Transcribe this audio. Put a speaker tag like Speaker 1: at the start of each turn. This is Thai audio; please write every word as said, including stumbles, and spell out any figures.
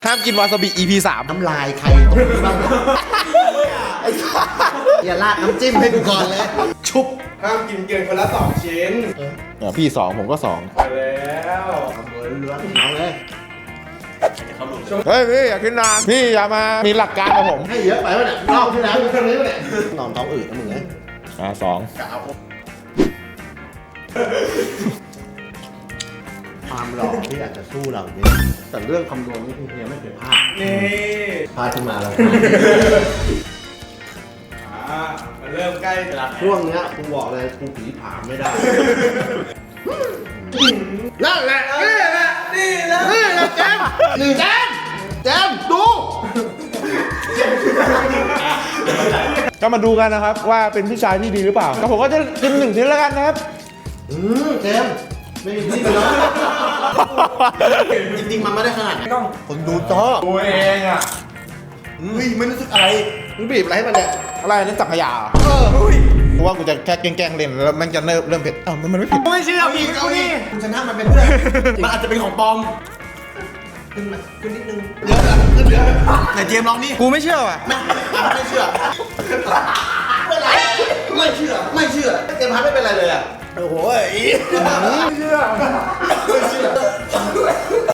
Speaker 1: ห้ามกินวาซาบิ อี พี สาม
Speaker 2: น้ำลายใครตกบ้างไอ้สัสอย่าลาดน้ำจิ้มให้กูก่อนเลย ชุบ
Speaker 3: ห้ามกินเกินคนละสองชิ้น
Speaker 1: อ่ะพี่สองผมก็สอง
Speaker 3: ไปแล้ว
Speaker 2: ทำเลยล้วนเอาเลย
Speaker 1: เฮ้ยพี่อย่าขึ้นนานพี่อย่ามามีหลักการกับผม
Speaker 2: ให้เยอะไปวะเนี่ยรอบที่แล้วมีเท่านี้วะเนี่ยนอนท้องอืดนะมึงไง
Speaker 1: อ่าสอง
Speaker 2: ความหล่อที่อาจจะสู้เราเนี่ยแต่เรื่องคำนวณนี่คือเฮียไม่เคยพลาด
Speaker 3: นี่
Speaker 2: พลาดขึ้นมาแล้ว
Speaker 3: อ่ามันเริ่มใกล้เวลา
Speaker 2: ช่วงเนี้ยกูบอกเลยกูผีผามไม่ได้นั่นแหละ
Speaker 3: นี่แหละนี่แหละ
Speaker 2: นี่แหละเจมส์หนึ่งเจมส์เจมส์ดู
Speaker 1: ก็มาดูกันนะครับว่าเป็นพี่ชายที่ดีหรือเปล่าแล้วผมก็จะกินหนึ่งชิ้นแล้วกันนะครับ
Speaker 2: อืมเจมส์ไม่มีที่แล้วจริงๆมันไม่ได้ขนาดนั้นคนดูชอบ
Speaker 3: ตัวเองอ่ะ
Speaker 2: เฮ้ยไม่รู้สึกอะไรมึงบีบอะไรให้มันเนี่ย
Speaker 1: อะไรนี่สังขยาเหรอ
Speaker 2: เออ
Speaker 1: กูว่ากูจะแค่แกล้งๆเล่นแล้วมันจะเริ่มเริ่มเผ็ดอ้าวมันมันไม่เผ็ด
Speaker 3: ไม่เชื่อ
Speaker 2: เอา
Speaker 3: พี่
Speaker 2: อีก
Speaker 3: กู
Speaker 2: เอาอี
Speaker 3: นี่
Speaker 2: กคุณชนะมันเป็นเพื่อนมันอาจจะเป็นของปลอมขึ้นมาขึ้นนิดนึงเยอะอะขึ้นเยอะไหนเจมส์ลองนี่
Speaker 1: กูไม่เชื่อว่ะ
Speaker 2: ไม่ไม่เชื่อไม่เป็นไรไม่เชื่อไม่เชื่อเจมส์พัดไม่เป็นไรเลยอ่ะโอ้โหไม่เชื่อไม่เชื่อ